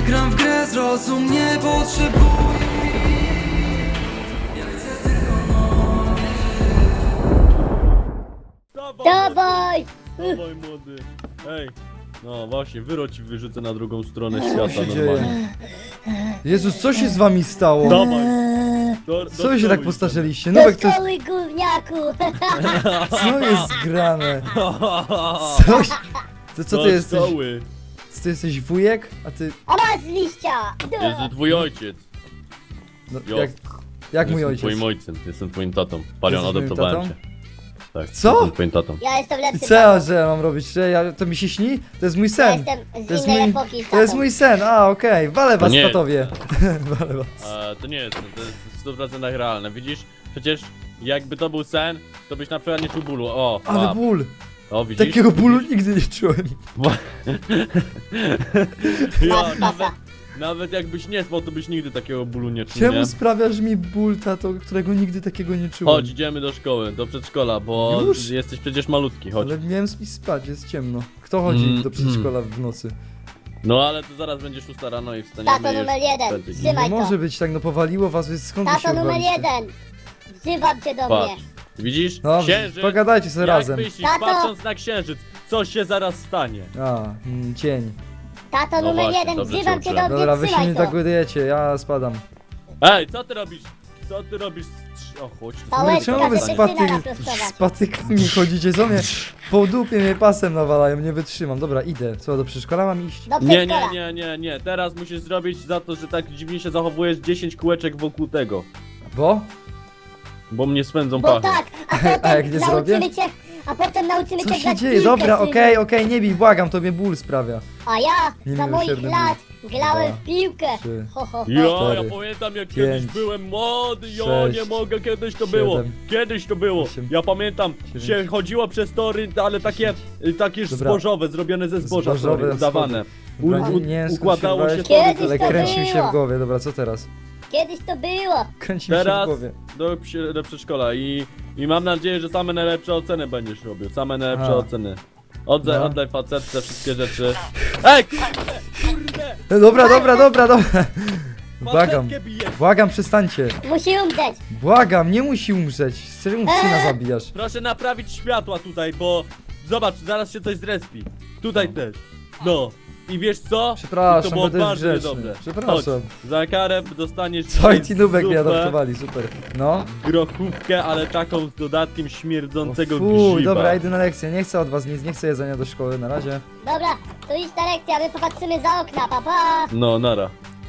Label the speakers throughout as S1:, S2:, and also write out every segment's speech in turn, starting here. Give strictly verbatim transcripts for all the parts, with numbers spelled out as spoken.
S1: gram w grę, zrozum, nie potrzebuję.
S2: Dawaj!
S3: Dawaj, młody. Ej. No właśnie, wyro ci wyrzucę na drugą stronę
S4: Co
S3: świata
S4: się
S3: normalnie.
S4: dzieje? Jezus, co się z wami stało?
S3: Dawaj. Do, do
S4: Co wy się
S3: szkoły
S4: tak
S3: idź.
S4: postarzyliście?
S2: Do
S4: Nubek, to jest...
S2: szkoły, gówniaku!
S4: Co jest grane? Coś... To co
S3: Do
S4: ty jesteś?
S3: szkoły.
S4: Ty jesteś wujek? A ty...
S2: A masz liścia!
S3: Jestem twój ojciec.
S4: No,
S3: Jo.
S4: jak... Jak mój
S3: Jestem
S4: ojciec?
S3: twoim ojcem, jestem twoim tatą. Palion,
S4: Jesteś moim
S3: adoptowałem
S4: tatą?
S3: cię. Tak,
S4: Co?
S3: jestem twoim tatą.
S2: Ja jestem
S4: I
S2: lepszy
S4: co ja,
S2: tatą.
S4: że ja mam robić? Że ja... To mi się śni? To jest mój
S2: Ja
S4: sen.
S2: jestem z
S4: To jest
S2: innej
S4: mój...
S2: epoki
S4: To jest
S2: tatą.
S4: mój sen, a okej. Walę was,
S3: nie jest.
S4: tatowie. Walę was.
S3: E, to nie jest sen, to jest w stu procentach realne. Widzisz? Przecież jakby to był sen, to byś na przykład nie czuł bólu. O,
S4: Ale
S3: pap.
S4: ból.
S3: O, widzisz?
S4: Takiego bólu nigdy nie czułem.
S3: Ja,
S2: Mas,
S3: nawet,
S2: masa.
S3: nawet jakbyś nie spał, to byś nigdy takiego bólu nie czuł,
S4: Czemu
S3: nie?
S4: sprawiasz mi ból, tato, którego nigdy takiego nie czułem?
S3: Chodź, idziemy do szkoły, do przedszkola, bo
S4: Już?
S3: jesteś przecież malutki, chodź.
S4: Ale miałem iść spać, jest ciemno. Kto chodzi
S3: Mm,
S4: do przedszkola w nocy?
S3: No ale to zaraz będziesz szósta rano i wstaniemy
S2: Tato
S3: już
S2: numer jeden,
S3: wtedy.
S4: Nie
S2: trzymaj to.
S4: może być tak, no powaliło was, więc skąd wy się
S2: Tato numer
S4: urwaliście?
S2: jeden! Wzywam cię do
S3: Patrz,
S2: mnie.
S3: widzisz?
S4: Dobrze,
S3: Księżyc,
S4: pogadajcie sobie
S3: jak
S4: razem.
S3: myślisz,
S2: Tato!
S3: patrząc na księżyc, co się zaraz stanie?
S4: A, mm, cień.
S2: Tato
S3: No
S2: numer
S3: właśnie,
S2: jeden,
S3: dobrze
S2: wzywam
S3: cię
S2: cię do
S3: uczyłem.
S4: Dobra,
S2: mnie,
S4: wy się nie
S2: trzymaj to.
S4: dogadujecie, ja spadam.
S3: Ej, co ty robisz? Co ty robisz? O, chodź tu.
S2: Pałeczka,
S4: No czemu wy
S2: żeby
S4: z,
S2: syna
S4: paty...
S2: naprostować.
S4: z patykami chodzicie? Co mnie po dupie mnie pasem nawalają, nie wytrzymam. Dobra, idę. Co, do przedszkola mam iść?
S2: Do
S3: Nie,
S2: przedszkola.
S3: nie, nie, nie, nie, teraz musisz zrobić za to, że tak dziwnie się zachowujesz dziesięć kółeczek wokół tego.
S4: Bo?
S3: Bo mnie swędzą
S2: Bo
S3: pachy.
S2: tak, a potem
S4: A jak nie
S2: nauczymy
S4: zrobię?
S2: cię, a potem nauczymy
S4: Co
S2: cię
S4: się
S2: grać w
S4: dzieje?
S2: piłkę,
S4: Dobra,
S2: synu.
S4: okej, okej, nie bij, błagam, to mnie ból sprawia.
S2: A ja za moich
S4: Niemiłosierny
S2: lat
S4: ból.
S2: grałem
S4: Dwa,
S2: w piłkę.
S4: trzy,
S2: Ho, ho, ho.
S3: Ja,
S4: cztery,
S3: ja pamiętam jak
S4: pięć,
S3: kiedyś byłem młody, ja
S4: sześć,
S3: nie mogę, kiedyś to
S4: siedem,
S3: było, kiedyś to było,
S4: osiem,
S3: ja pamiętam,
S4: dziewięć.
S3: się chodziło przez tory, ale takie, y, takie
S4: Dobra.
S3: zbożowe, zrobione ze zboża
S4: Zbożowe
S3: tory, udawane. U,
S4: Dobra,
S3: u,
S4: nie wiem, skąd
S3: układało
S4: się
S3: się
S4: wziąłeś,
S3: tory,
S2: Kiedyś
S4: ale
S2: to
S4: kręci mi się
S2: było.
S4: w głowie. Dobra, co teraz?
S2: Kiedyś to było.
S4: Kręci mi się w
S3: teraz
S4: głowie.
S3: do, przy- do przedszkola i, i mam nadzieję, że same najlepsze oceny będziesz robił, same najlepsze
S4: A.
S3: oceny. Oddaj,
S4: No.
S3: oddaj facetce wszystkie rzeczy. Ej, kurde, kurde,
S4: No dobra, dobra, dobra, dobra. Błagam,
S3: facetkę bijesz.
S4: błagam, przestańcie.
S2: Musi umrzeć.
S4: Błagam, nie musi umrzeć. Czemu syna zabijasz?
S3: Proszę naprawić światła tutaj, bo zobacz, zaraz się coś zrespi. Tutaj też. No. I wiesz co?
S4: Przepraszam,
S3: to było
S4: będę
S3: bardzo
S4: grzeczny.
S3: niedobre.
S4: Przepraszam.
S3: Chodź, za karę dostaniesz
S4: Co i
S3: dzisiaj
S4: ci nubek mnie
S3: zupę,
S4: adoptowali, super. No.
S3: grochówkę, ale taką z dodatkiem
S4: O,
S3: śmierdzącego
S4: fuj,
S3: grzyba.
S4: dobra, idę na lekcję. Nie chcę od was nic, nie chcę jedzenia do szkoły, na razie.
S2: Dobra, to idź na lekcję, a my popatrzymy za okna, papa. Pa.
S3: No, nara.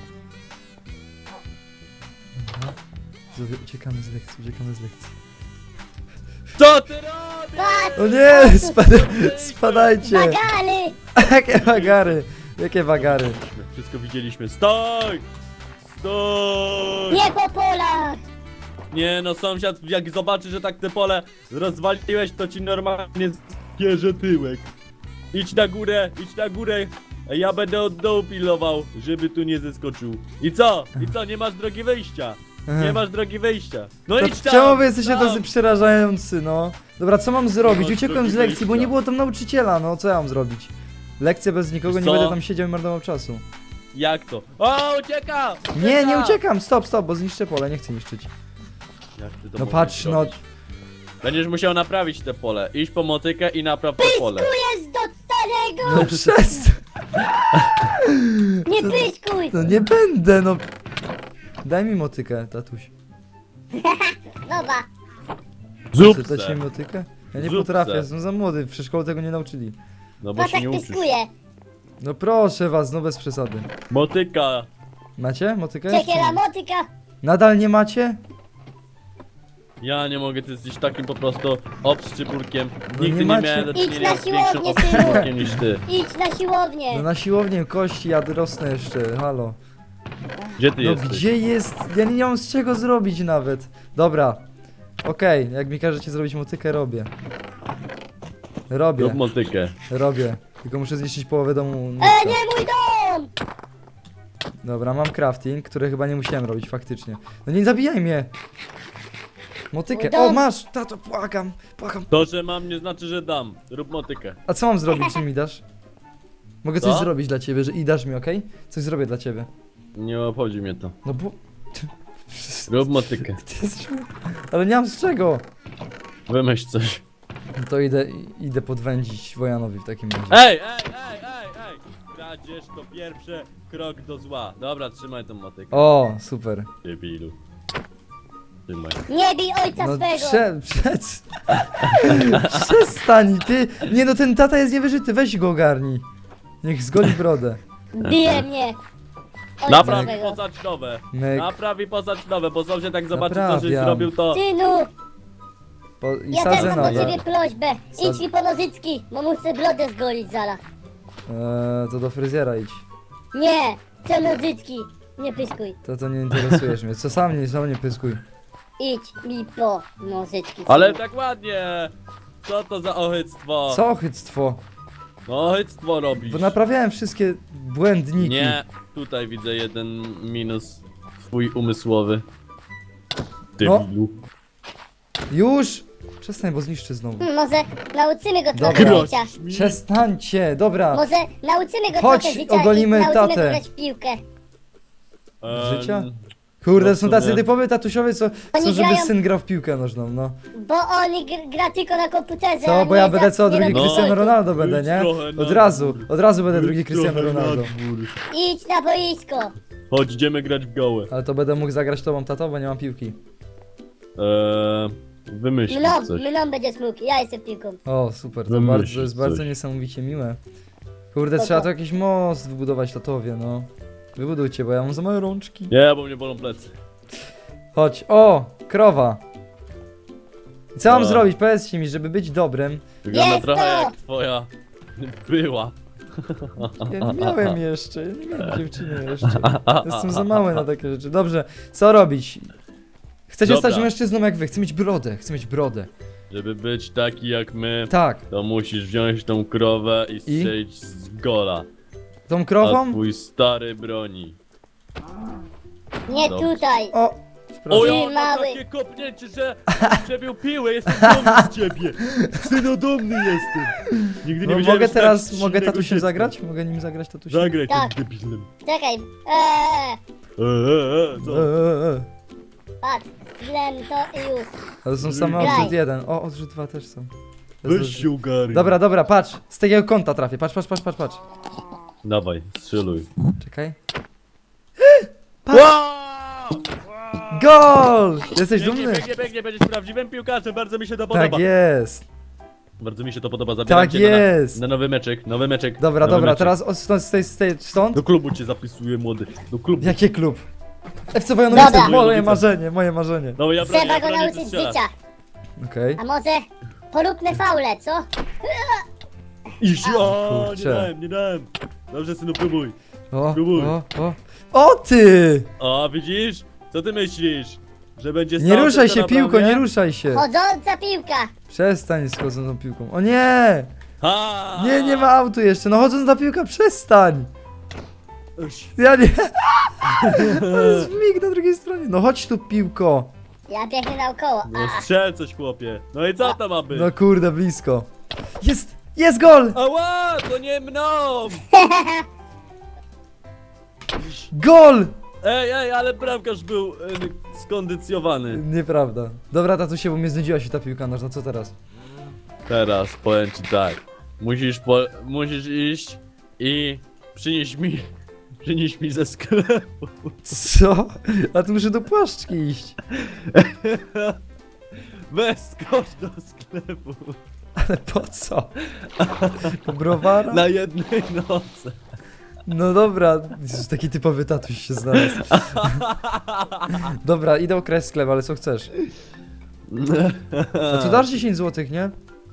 S4: Zrobię- Uciekamy z lekcji, uciekamy z lekcji.
S3: Co ty robisz?
S2: Patrz,
S4: O nie, spad spadajcie.
S2: bagany.
S4: Jakie wagary, jakie wagary.
S3: Wszystko widzieliśmy. Stoj! Stoj!
S2: Nie po polach.
S3: Nie no, sąsiad, jak zobaczy, że tak te pole rozwaliłeś, to ci normalnie zbierze tyłek. Idź na górę, idź na górę, a ja będę od dołu pilnował, żeby tu nie zeskoczył. I co? I co? Nie masz drogi wyjścia. Nie masz drogi wyjścia. No
S4: To
S3: idź tam!
S4: czemu wy jesteście
S3: tam.
S4: tacy przerażający, no? Dobra, co mam zrobić?
S3: masz
S4: Uciekłem z
S3: drogi
S4: lekcji, bo
S3: wyjścia.
S4: nie było tam nauczyciela, no co ja mam zrobić? Lekcje bez nikogo,
S3: Wiesz
S4: nie
S3: co?
S4: będę tam siedział i marnował czasu.
S3: Jak to? O, ucieka!
S4: Nie, nie
S3: Ucieka!
S4: uciekam, stop, stop, bo zniszczę pole, nie chcę niszczyć.
S3: Jak ty to
S4: No
S3: mogłeś
S4: patrz, no,
S3: zrobić? Będziesz musiał naprawić te pole. Idź po motykę i napraw to pole.
S2: Tu jest do starego.
S4: no przestań,
S2: Nie pyszkuj.
S4: no nie będę, no. Daj mi motykę, tatuś.
S2: Dobra.
S4: Chcesz dać mi
S3: Zupce.
S4: motykę? Ja nie
S3: Zupce.
S4: potrafię, jestem za młody, w przedszkolu tego nie nauczyli.
S3: No bo
S2: Patrz
S3: się
S2: jak
S3: nie uczysz.
S2: pyskuje.
S4: No proszę was, no bez przesady.
S3: Motyka.
S4: Macie motykę?
S2: Ciekiela motyka.
S4: Nadal nie macie?
S3: Ja nie mogę, ty jesteś takim po prostu obszczypurkiem.
S4: No
S3: Nigdy
S4: nie
S3: nie,
S4: macie-
S3: miałem do
S2: Idź
S3: czynienia
S2: na
S3: z większym
S2: siłownię,
S3: obszczypurkiem niż ty.
S2: Idź na siłownię.
S4: No na siłownię kości, ja rosnę jeszcze, halo.
S3: Gdzie ty
S4: No
S3: jesteś?
S4: gdzie jest? Ja nie mam z czego zrobić nawet. Dobra. Okej, jak mi każecie zrobić motykę, robię. Robię,
S3: Rób motykę.
S4: robię. Tylko muszę zniszczyć połowę domu.
S2: E,
S4: nubka.
S2: nie mój dom.
S4: Dobra, mam crafting, który chyba nie musiałem robić faktycznie. No nie zabijaj mnie! Motykę.
S2: Mój dom.
S4: O, masz! Tato, błagam, błagam.
S3: To, że mam, nie znaczy, że dam. Rób motykę.
S4: A co mam zrobić, czy mi dasz? Mogę coś
S3: Co?
S4: zrobić dla ciebie, że i dasz mi, okej? Coś zrobię dla ciebie.
S3: Nie obchodzi mnie to.
S4: No bo...
S3: Rób motykę.
S4: Ty jesteś... Ale nie mam z czego.
S3: Wymyśl coś.
S4: No to idę, idę podwędzić Wojanowi w takim razie.
S3: Ej, ej, ej, ej, ej! Kradzież to pierwszy krok do zła. Dobra, trzymaj tą motykę.
S4: O, super.
S3: Debilu. Trzymaj.
S2: Nie bij ojca
S4: No
S2: swego!
S4: prze... Przec... Przestań, ty... Nie no, ten tata jest niewyżyty, weź go ogarnij. Niech zgoli brodę.
S2: Bije mnie! Ojca
S3: Napraw i
S2: swego!
S3: pozacz nowe.
S4: Myk.
S3: Napraw i pozacz nowe, bo sąsiad jak zobaczy co żeś
S4: Naprawiam.
S3: zrobił to...
S2: Synu!
S4: Po... I
S2: Ja też
S4: sadzę
S2: mam do
S4: nowe.
S2: ciebie prośbę!
S4: Sad-
S2: Idź mi po nożyczki, bo muszę brodę zgolić zaraz.
S4: Eee, to do fryzjera idź.
S2: Nie! Chcę nożyczki! Nie pyskuj!
S4: To to nie interesujesz mnie. Co sam nie, sam nie pyskuj.
S2: Idź mi po nożyczki.
S3: Ale
S2: synu.
S3: tak ładnie! Co to za ochyctwo?
S4: Co ochyctwo?
S3: No ochyctwo robisz.
S4: Bo naprawiałem wszystkie błędniki.
S3: Nie, tutaj widzę jeden minus twój umysłowy. Debilu.
S4: Już! Przestań, bo zniszczy znowu.
S2: Hmm, Może nauczymy go
S4: Dobra.
S2: trochę życia.
S4: Przestańcie, dobra.
S2: Może nauczymy go
S4: Chodź,
S2: trochę życia
S4: ogolimy
S2: i nauczymy
S4: tatę.
S2: go grać w piłkę.
S3: Em,
S4: Życia? Kurde,
S3: no w
S4: są tacy
S3: sumie.
S4: typowy tatusiowie, co chcą, żeby
S2: grają-
S4: syn grał w piłkę nożną, no.
S2: Bo on gr- gra tylko na komputerze. a
S4: Co, bo
S2: nie
S4: ja
S2: za-
S4: będę co,
S2: nie
S4: drugi
S2: robi
S3: No.
S4: Cristiano
S2: sportu.
S4: Ronaldo będę,
S3: Idź
S4: nie?
S3: trochę na
S4: Od razu,
S3: dwór.
S4: od razu będę
S3: Idź
S4: drugi Cristiano
S3: trochę na
S4: Ronaldo.
S3: dwór.
S2: Idź na boisko.
S3: Chodź, idziemy grać w gołę.
S4: Ale to będę mógł zagrać tobą, tato, bo nie mam piłki.
S3: Eee, wymyśl
S2: Mną,
S3: coś.
S2: mną będziesz mógł, ja jestem piłką.
S4: O, super, to,
S3: Wymyśl
S4: bardzo, to jest bardzo
S3: coś.
S4: niesamowicie miłe. Kurde,
S2: Co
S4: trzeba
S2: to?
S4: tu jakiś most wybudować tatowie, no. Wybudujcie, bo ja mam za małe rączki.
S3: Nie, bo mnie bolą plecy.
S4: Chodź, o, krowa. I co mam
S3: No.
S4: zrobić? Powiedzcie mi, żeby być dobrym.
S3: Wygląda
S2: Jest
S3: trochę
S2: to!
S3: jak twoja była.
S4: Ja nie miałem jeszcze, ja nie miałem dziewczyny jeszcze. Jestem za mały na takie rzeczy. Dobrze, co robić? Chcecie
S3: Dobra.
S4: stać mężczyzną jak wy, chcę mieć brodę, chcę mieć brodę.
S3: Żeby być taki jak my,
S4: Tak,
S3: to musisz wziąć tą krowę i strzelić z gola.
S4: tą
S3: A
S4: krową?
S3: twój stary broni.
S2: Nie
S3: Dobrze.
S2: tutaj.
S4: O,
S3: O
S4: przepraszam.
S3: ja, na
S2: mały.
S3: takie kopnięcie, że przebił piłę, jestem dumny z ciebie. Synodomny jestem. Nigdy nie
S4: No,
S3: wiedziałem,
S4: mogę
S3: że tak
S4: teraz,
S3: silnego
S4: mogę tatusiem
S3: dziecka.
S4: zagrać? Mogę nim zagrać tatusiem?
S3: Zagraj
S2: Tak.
S3: tym debilem.
S2: Czekaj. Eee,
S3: Eee, eee,
S4: E,
S3: co?
S4: e, e.
S2: patrz, zlem to i już.
S4: Ale są same
S2: Graj.
S4: odrzut jeden. O, odrzut dwa też są. To jest
S3: Weź się ogarnij.
S4: Dobra, dobra, patrz. Z takiego kąta trafię. Patrz, patrz, patrz, patrz, patrz.
S3: Dawaj, strzeluj.
S4: Czekaj.
S3: Wow!
S4: Gol! Jesteś
S3: Pięknie,
S4: dumny?
S3: pięknie, pięknie, będziesz prawdziwym piłkarzem, bardzo mi się to podoba.
S4: Tak jest.
S3: Bardzo mi się to podoba, zabieram
S4: Tak
S3: cię
S4: jest.
S3: Na, na nowy meczek, nowy meczek.
S4: Dobra,
S3: nowy
S4: dobra,
S3: meczek.
S4: teraz od stąd, z tej, z tej, stąd.
S3: Do klubu cię zapisuję, młody. Do klubu.
S4: Jaki klub? F C Wojanowice,
S2: Dobra.
S4: moje marzenie, moje marzenie.
S3: No ja bronię,
S2: Trzeba
S3: ja
S2: go
S3: bronię, ty
S2: nauczyć
S3: strzelasz.
S2: życia.
S4: Okej.
S2: A może poróbmy faule, co?
S3: Iż, o, nie
S4: Kurczę.
S3: dałem, nie dałem. Dobrze, synu, próbuj.
S4: O,
S3: Próbuj.
S4: o, o. O ty!
S3: O, widzisz? Co ty myślisz? Że będzie
S4: Nie
S3: stał
S4: ruszaj
S3: tylko
S4: się,
S3: na
S4: piłko,
S3: bramie?
S4: nie ruszaj się.
S2: Chodząca piłka.
S4: Przestań z chodzącą piłką. O nie!
S3: Ha!
S4: Nie, nie ma autu jeszcze. No chodząc na piłkę, przestań!
S3: Uś.
S4: Ja nie. To jest mig na drugiej stronie. No chodź tu, piłko.
S2: Ja biegnę naokoło.
S3: No
S2: A,
S3: strzel coś, chłopie. No i co to ma być?
S4: No kurde, blisko. Jest! Jest gol!
S3: Ała, to nie mną!
S4: Gol!
S3: Ej, ej, ale bramkarz był e, skondycjowany.
S4: Nieprawda. Dobra, tatusie, bo mnie znudziła się ta piłka nożna, co teraz?
S3: Teraz powiem ci tak. Musisz po, musisz iść i przynieść mi, przynieść mi ze sklepu.
S4: Co? A tu muszę do płaszczki iść.
S3: Weź skocz do sklepu.
S4: Ale po co? Po browara?
S3: Na jednej nocy.
S4: No dobra, Jezus, taki typowy tatuś się znalazł. Dobra, idę okraść sklep, ale co chcesz? A co dasz dziesięć złotych, nie?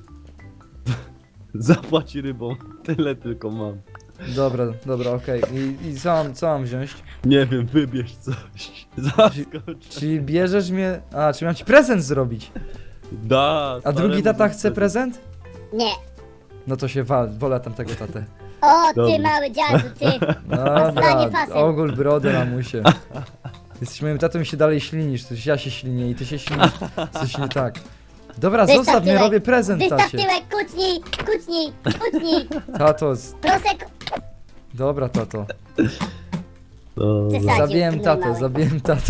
S3: Zapłać rybą. Tyle tylko mam.
S4: Dobra, dobra, okej. I, I co mam, co mam wziąć?
S3: Nie wiem, wybierz coś. Zaskocz.
S4: Czyli bierzesz mnie... A, czy mam ci prezent zrobić?
S3: Da,
S4: A drugi
S3: staremu
S4: tata chce
S3: wtedy.
S4: prezent?
S2: nie.
S4: No to się wal, wolę tamtego tatę.
S2: O, ty
S3: Dobrze.
S2: mały dziadu, ty.
S4: Dobra,
S2: Stanie pasem.
S4: ogól brody mamusie. Jesteś moim tatą i się dalej ślinisz, to ja się ślinię i ty się ślinisz, coś nie tak. Dobra,
S2: Wystaw
S4: zostaw mnie,
S2: tyłek.
S4: robię prezent
S2: Wystaw
S4: tacie.
S2: tyłek, kucnij, kucnij, kucnij.
S4: Tato, z-
S2: Prosek,
S4: Dobra, tato.
S3: No,
S2: Przesadził,
S4: Zabiłem
S2: ty
S4: tatę,
S2: mały.
S4: zabiłem tatę.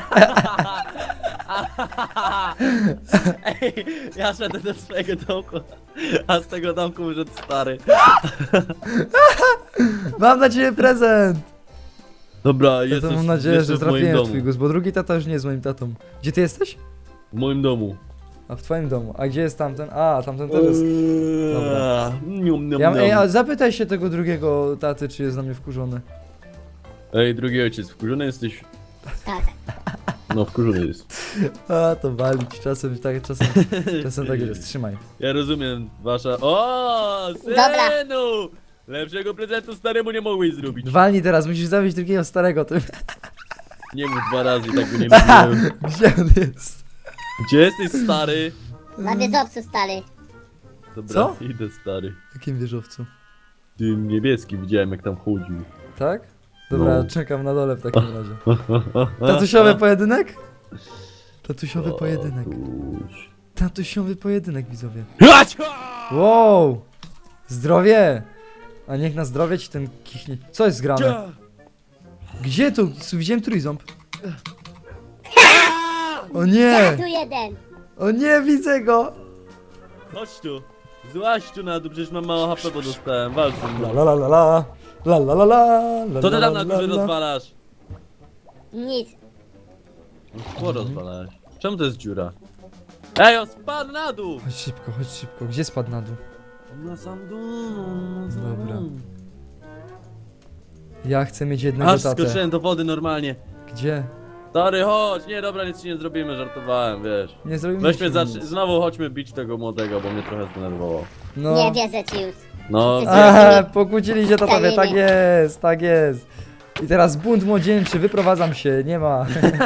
S3: Ej, ja szedłem do swojego domku, a z tego domku wyszedł stary.
S4: Mam na ciebie prezent!
S3: Dobra,
S4: Ja
S3: jestem,
S4: to mam nadzieję,
S3: jestem
S4: że
S3: w moim
S4: trafiłem w
S3: domu.
S4: twój gust, bo drugi tata już nie jest moim tatą. Gdzie ty jesteś?
S3: W moim domu.
S4: A w twoim domu. A gdzie jest tamten? A, tamten też jest. Dobra.
S3: Nium, nium,
S4: Ja, ej, a
S3: nium.
S4: zapytaj się tego drugiego taty, czy jest na mnie wkurzony.
S3: Ej, drugi ojciec, wkurzony jesteś?
S2: Tak.
S3: No, wkurzony jest.
S4: A, to walić. Czasem tak, czasem, czasem tak jest. Trzymaj.
S3: Ja rozumiem, wasza... O,
S2: Dobra.
S3: synu! Lepszego prezentu staremu nie mogłeś zrobić.
S4: Walnij teraz, musisz zabić drugiego starego tym.
S3: Nie mów dwa razy, tak go nie mówiłem.
S4: Gdzie on jest?
S3: Gdzie jesteś, stary?
S2: Na wiedzowcu stary.
S3: Dobra,
S4: Co?
S3: idę, stary.
S4: W jakim wieżowcu?
S3: Tym niebieskim widziałem, jak tam chodził.
S4: Tak? Dobra,
S3: No.
S4: czekam na dole w takim razie. Tatusiowy pojedynek? Tatusiowy pojedynek.
S3: Tatuś.
S4: Tatusiowy pojedynek, widzowie.
S3: Hacia!
S4: Wow! Zdrowie! A niech na zdrowie ci ten kichnie. Co jest grane? Gdzie tu? Widziałem trójząb. O
S2: Ja
S4: nie!
S2: tu jeden.
S4: O nie, widzę go!
S3: Chodź tu. Złaź tu na dół, przecież mam mało H P, bo dostałem. Walcz ze
S4: La
S3: mną.
S4: la la la la. La la la la. la,
S3: Co ty
S4: la,
S3: tam na
S4: la,
S3: górze
S4: la.
S3: rozwalasz?
S2: Nic.
S3: No, co rozwalałeś? Czemu to jest dziura? Ej, on spadł na dół!
S4: Chodź szybko, chodź szybko. Gdzie spadł na dół?
S3: Na sam dół, na sam
S4: Dobra.
S3: dół.
S4: Ja chcę mieć jednego
S3: Aż
S4: tatę.
S3: skoczyłem do wody normalnie.
S4: Gdzie?
S3: Stary, chodź! Nie, dobra, nic ci nie zrobimy, żartowałem, wiesz.
S4: Nie zrobimy
S3: Weźmy,
S4: ci
S3: zacz...
S4: nic.
S3: znowu chodźmy bić tego młodego, bo mnie trochę zdenerwowało.
S4: No.
S2: Nie wierzę ci już.
S3: No,
S2: Wszyscy
S4: Aha, pokłócili się tatowie,
S2: Staliny.
S4: tak jest, tak jest. I teraz bunt młodzieńczy, wyprowadzam się, nie ma.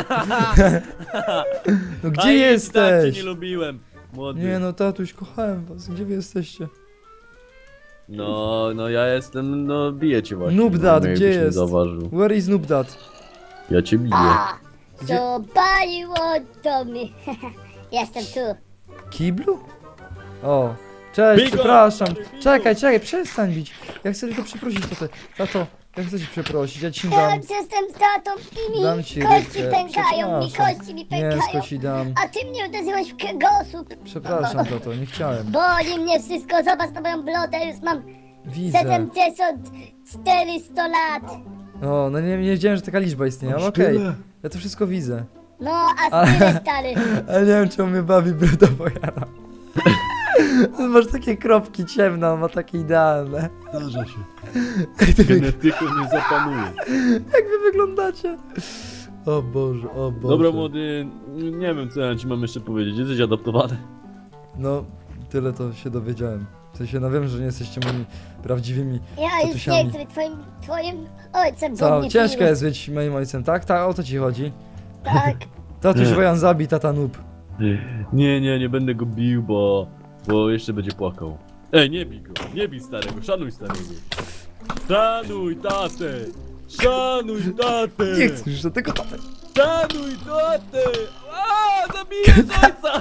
S4: No gdzie
S3: A idź, Tak
S4: jesteś?
S3: cię nie lubiłem, młody.
S4: Nie no, tatuś, kochałem was, gdzie wy jesteście?
S3: No, no ja jestem, no biję cię właśnie.
S4: Noob dad,
S3: no, jakbyś
S4: gdzie
S3: nie
S4: jest?
S3: Zauważył.
S4: Where is Noob Dad?
S3: Ja cię biję.
S2: A,
S4: Gdzie-
S2: zapaliło to mi. Jestem tu.
S4: Kiblu? O, cześć,
S3: Bigo!
S4: przepraszam.
S3: Bigo!
S4: Czekaj, czekaj, przestań bić. Ja chcę tylko przeprosić tatę. Tato, ja chcę cię przeprosić, ja ci
S2: Ja
S4: dam.
S2: jestem z tatą i mi
S4: Dam ci
S2: kości
S4: rybkę.
S2: pękają, mi
S4: Przepraszam.
S2: kości mi
S4: Nie,
S2: pękają.
S4: ci dam.
S2: A ty mnie uderzyłeś w kręgosłup.
S4: Przepraszam, tato, nie chciałem.
S2: Boli mnie wszystko, zobacz na moją blodę, już mam
S4: Widzę.
S2: siedemdziesiąt czterysta lat.
S4: O, no nie, nie wiedziałem, że taka liczba istnieje, ale okej. Ja to wszystko widzę.
S2: No, a
S4: Ale-
S2: tyle stary.
S4: Ale nie wiem, czemu mnie bawi bruda Bojana. Masz takie kropki ciemne, on ma takie idealne.
S3: Zdarza się.
S4: Jak, ty,
S3: Genetyką nie zapanuje.
S4: jak wy wyglądacie? O Boże, o Boże.
S3: Dobra, młody, nie wiem co ja ci mam jeszcze powiedzieć. Jesteś adoptowany.
S4: No, tyle to się dowiedziałem. W sensie, no wiem, że nie jesteście moimi prawdziwymi.
S2: Ja już
S4: Tatusiami.
S2: nie chcę być twoim, twoim ojcem, bo
S4: Co,
S2: mnie
S4: ciężko
S2: biłeś.
S4: jest być moim ojcem, tak? Tak, o to ci chodzi.
S2: Tak.
S4: Tatuś Wojan zabij, tata noob.
S3: Nie, nie, nie będę go bił, bo... Bo jeszcze będzie płakał. Ej, nie bij go, nie bij starego, szanuj starego. Szanuj tatę! Szanuj tatę!
S4: Nie chcę już do tego.
S3: Szanuj tatę! A, zabijesz ojca!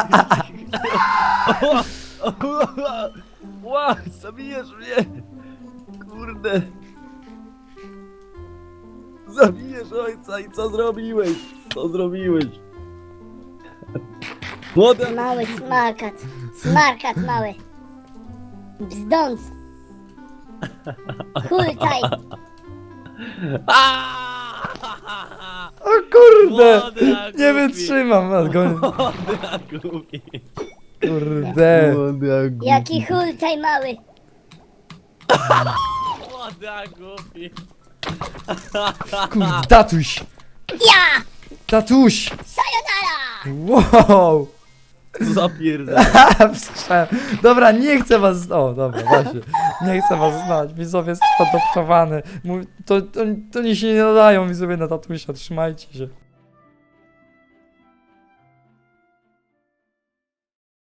S3: Ła, zabijesz mnie! Kurde! Zabijesz ojca i co zrobiłeś? Co zrobiłeś? Młoda!
S2: Mały smarkat. Smarkat mały. Bzdąc. Hultaj.
S4: O kurde!
S3: Młody, a
S4: Nie
S3: głupi.
S4: wytrzymam, a go...
S3: Młody, a głupi.
S4: Kurde.
S3: Młody, a głupi.
S2: Jaki hultaj mały.
S3: Młody, a głupi.
S4: Kurde, tatuś!
S2: Ja!
S4: Tatuś!
S2: Sayonara!
S4: Wow!
S3: Zapierdam.
S4: Słyszałem. Dobra, nie chcę was... O, dobra, właśnie. Nie chcę was znać. Widzowie jest adoptowany. Mówi- To, to, to oni się nie nadają, widzowie, na tatusia. Trzymajcie się.